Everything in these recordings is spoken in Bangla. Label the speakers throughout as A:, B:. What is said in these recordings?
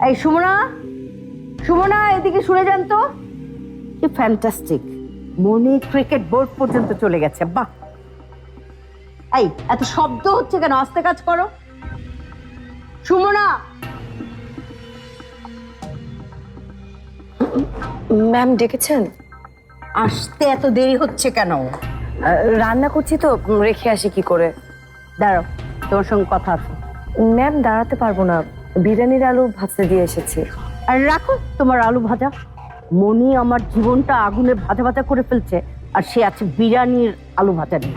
A: এই সুমনা, সুমনা এদিকে শুনে যান তো। কি ফ্যান্টাস্টিক, মনি ক্রিকেট বোর্ড পর্যন্ত চলে গেছে। বাহ, এই এত শব্দ হচ্ছে কেন? আস্তে কাজ করো সুমনা।
B: ম্যাম ডেকেছেন?
A: আসতে এত দেরি হচ্ছে কেন?
B: রান্না করছি তো, রেখে আসি কি করে?
A: দাঁড়াও, তোমার সঙ্গে কথা আছে।
B: ম্যাম দাঁড়াতে পারবো না, বিরিয়ানির আলু ভাজতে দিয়ে এসেছি।
A: আর রাখো তোমার আলু ভাজা। মনি আমার জীবনটা আগুনে ভাজা ভাজা করে ফেলছে, আর সে আছে বিরিয়ানির আলু ভাজা নিয়ে।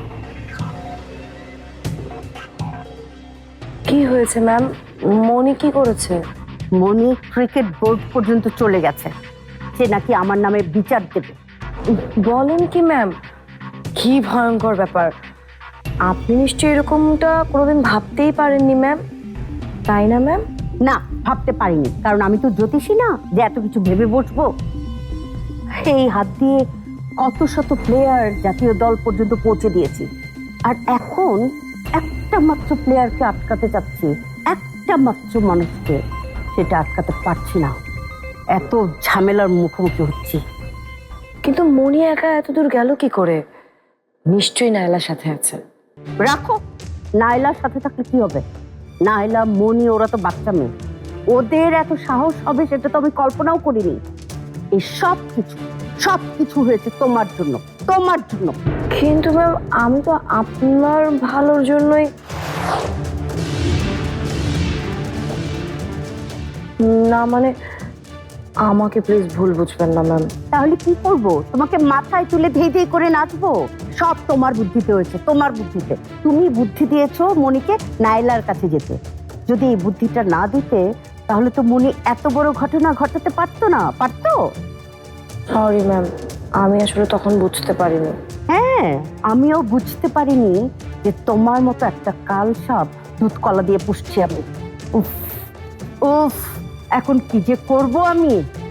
B: কি হয়েছে ম্যাম? মনি কি করেছে?
A: মনি ক্রিকেট বোর্ড পর্যন্ত চলে গেছে, সে নাকি আমার নামে বিচার দেবে।
B: বলেন কি ম্যাম? কি ভয়ঙ্কর ব্যাপার! আপনি নিশ্চয়ই এরকমটা কোনোদিন ভাবতেই পারেননি ম্যাম, তাই না ম্যাম?
A: না, ভাবতে পারিনি, কারণ আমি তো জ্যোতিষী না যে এত কিছু ভেবে বসবো। এই হাত দিয়ে কত শত প্লেয়ার জাতীয় দল পর্যন্ত পৌঁছে দিয়েছি, আর এখন একটা মাত্র প্লেয়ারকে আটকাতে চাচ্ছি, একটা মাত্র মানুষকে, সেটা আটকাতে পারছি না। এত ঝামেলার মুখোমুখি হচ্ছি।
B: কিন্তু মনি একা এত দূর গেল কি করে? নিশ্চয়ই নায়লার সাথে আছে।
A: রাখো, নায়লার সাথে থাকলে কি হবে? নায়লা, মনি ওরা তো বাচ্চা মেয়ে, ওদের এত সাহস হবে সেটা তো আমি কল্পনাও করিনি। এই সব কিছু হয়েছে তোমার জন্য, তোমার জন্য।
B: কিন্তু ম্যাম আমি তো আপনার ভালোর জন্যই। না মানে, আমাকে প্লিজ ভুল বুঝবেন না ম্যাম।
A: তাহলে কি করব? তোমাকে মাথায় তুলে ধেই ধেই করে নাচবো? সব তোমার বুদ্ধিতে হয়েছে, তোমার বুদ্ধিতে। তুমি বুদ্ধি দিয়েছো মনিকে নাইলার কাছে যেতে। যদি এই বুদ্ধিটা না দিতে, তাহলে তো মনি এত বড় ঘটনা ঘটাতে পারতো না, পারতো?
B: সরি ম্যাম, আমি আসলে তখন বুঝতে পারিনি।
A: হ্যাঁ, আমিও বুঝতে পারিনি যে তোমার মতো একটা কাল সাপ দুধ কলা দিয়ে পুষছি আমি। উফ উফ, এখন কি যে করব আমি।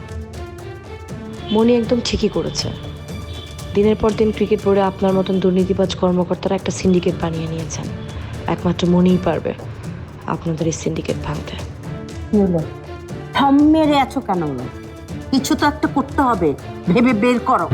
C: মনি একদম ঠিকই করেছে। দিনের পর দিন ক্রিকেট বোর্ডে আপনার মতন দুর্নীতিবাজ কর্মকর্তারা একটা সিন্ডিকেট বানিয়ে নিয়েছেন। একমাত্র মনিই পারবে আপনাদের এই সিন্ডিকেট ভাঙতে।
A: কি হলো? থম মেরে আছো কেন? কিছু তো একটা করতে হবে, ভেবে বের করো।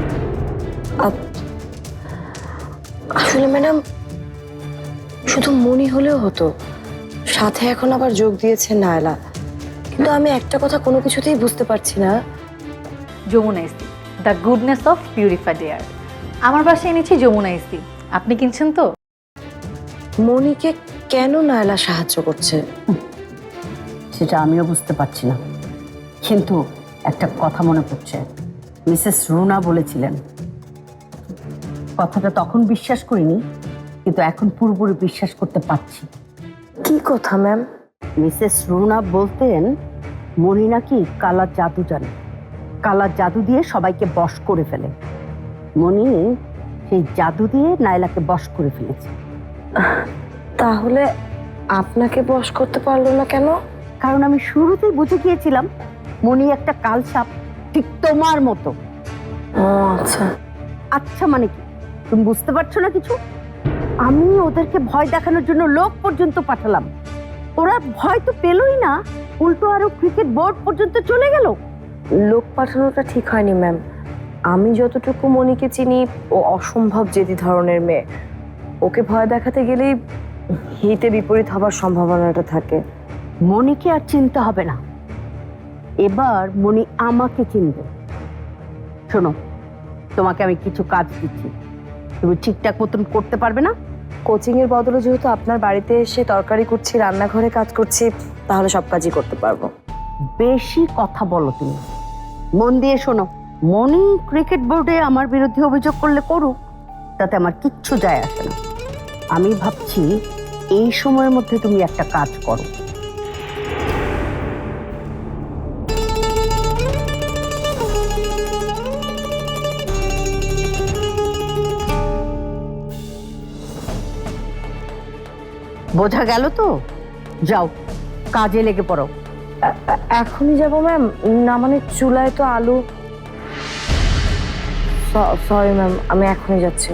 B: আসলে ম্যাডাম, শুধু মনি হলেও হতো, সাথে এখন আবার যোগ দিয়েছে নায়লা। কিন্তু আমি একটা কথা কোনো কিছুতেই বুঝতে পারছি না।
D: যমুনা ইসি, the goodness of purified air. আমার বাসায় এনেছি যমুনা ইসি, আপনি কিনছেন তো?
B: মনিকে কেন নায়লা সাহায্য করছে?
A: সেটা আমিও বুঝতে পারছি না, কিন্তু একটা কথা মনে পড়ছে। মিসেস রুনা বলেছিলেন, কথাটা তখন বিশ্বাস করিনি, কিন্তু এখন পুরোপুরি বিশ্বাস করতে পারছি।
B: কি কথা ম্যাম?
A: মিসেস রুনা বলতেন মনি নাকি কালা জাদু জানে, কালা জাদু দিয়ে সবাইকে বশ করে ফেলে। মনি সেই জাদু দিয়ে নাইলাকে বশ করে ফেলেছে।
B: তাহলে আপনাকে বশ করতে পারলো না কেন?
A: কারণ আমি শুরুতেই বুঝে গিয়েছিলাম মনি একটা কাল সাপ, ঠিক তোমার মতো।
B: ও আচ্ছা।
A: আচ্ছা মানে কি, তুমি বুঝতে পারছো না কিছু? আমি ওদেরকে ভয় দেখানোর জন্য লোক পর্যন্ত পাঠালাম, ওরা ভয় তো পেলই না, উল্টো আরো ক্রিকেট বোর্ড পর্যন্ত চলে গেল।
B: লোক পাঠানোটা ঠিক হয়নি ম্যাম। আমি যতটুকু মনিকে চিনি, ও অসম্ভব জেদি ধরনের মেয়ে। ওকে ভয় দেখাতে গেলেই হিতে বিপরীত হবার সম্ভাবনাটা থাকে।
A: মনিকে আর চিনতে হবে না, এবার মনি আমাকে চিনবে। শোনো, তোমাকে আমি কিছু কাজ দিচ্ছি, তুমি ঠিকঠাক মতন করতে পারবে না?
B: কোচিং এর বদলে যেহেতু আপনার বাড়িতে এসে তরকারি করছি, রান্নাঘরে কাজ করছি, তাহলে সব কাজই করতে পারবো।
A: বেশি কথা বলো তুমি। মন দিয়ে শোনো, মনি ক্রিকেট বোর্ডে আমার বিরুদ্ধে অভিযোগ করলে করুক, তাতে আমার কিচ্ছু যায় আসে না। আমি ভাবছি এই সময়ের মধ্যে তুমি একটা কাজ করো। বোঝা গেল তো? যাও, কাজে লেগে পড়ো।
B: এখনই যাব ম্যাম? না মানে চুলায় তো আলু। সরি ম্যাম, আমি এখনই যাচ্ছি।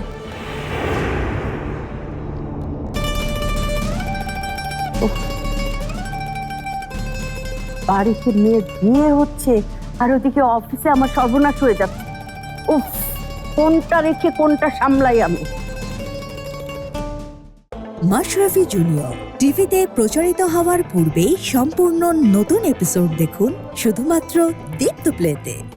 A: বাড়িতে মেয়ের বিয়ে হচ্ছে আর ওদিকে অফিসে আমার সর্বনাশ হয়ে যাচ্ছে। উফ, কোনটা রেখে কোনটা সামলাই আমি।
E: মাশরাফি জুনিয়র টিভিতে প্রচারিত হওয়ার পূর্বেই সম্পূর্ণ নতুন এপিসোড দেখুন শুধুমাত্র দীপ্ত প্লেতে।